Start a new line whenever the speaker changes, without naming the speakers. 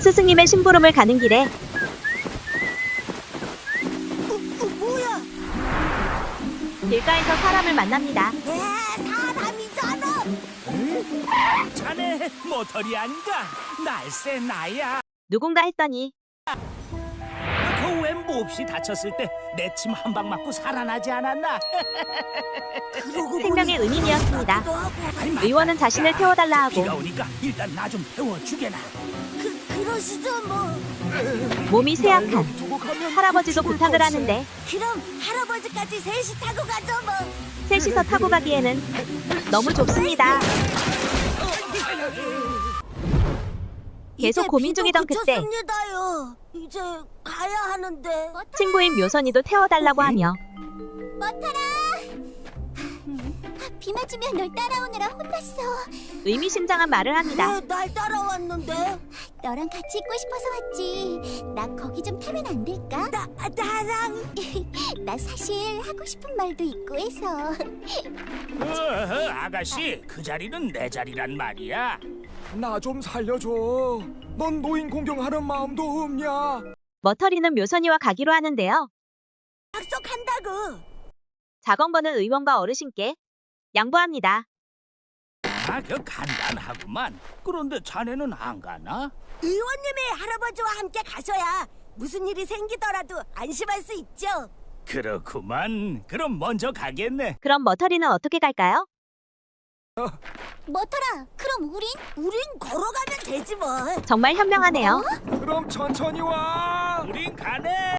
스승님의 심부름을 가는 길에
뭐야?
길가에서 사람을 만납니다.
사람이잖아.
자네 모터리 아닌가? 날쌔 나야.
누군가 했더니
그 왜 몹시 다쳤을 때 내 침 한 방 맞고 살아나지 않았나?
그러고
생명의
보니
은인이었습니다.
같기도 하고.
아이, 맞다.
의원은 자신을 태워달라 하고
비가 오니까 일단 나 좀 태워주게나.
그러시죠 뭐.
몸이 쇠약한 할아버지도 부탁을 하는데
그럼 할아버지까지 셋이 타고 가죠 뭐.
셋이서 타고 가기에는 너무 좁습니다. 계속
이제
고민
비도
중이던 그때
그쳤습니다요. 이제 가야 하는데.
친구인 묘선이도 태워달라고 하며
머타라. 비 맞으면 널 따라오느라 혼났어.
의미심장한 말을 합니다.
왜 날 따라왔는데?
너랑 같이 있고 싶어서 왔지. 나 거기 좀 타면 안 될까?
나랑
나 사실 하고 싶은 말도 있고 해서.
아가씨, 그 자리는 내 자리란 말이야.
나 좀 살려줘. 넌 노인 공경하는 마음도 없냐?
머터리는 묘선이와 가기로 하는데요.
약속한다고.
자건번은 의원과 어르신께 양보합니다.
그 간단하구만. 그런데 자네는 안 가나?
의원님이 할아버지와 함께 가셔야 무슨 일이 생기더라도 안심할 수 있죠.
그렇구만. 그럼 먼저 가겠네.
그럼 머터리는 어떻게 갈까요?
뭐더라? 그럼
우린 걸어가면 되지 뭐.
정말 현명하네요.
그럼 천천히 와.
우린 가네.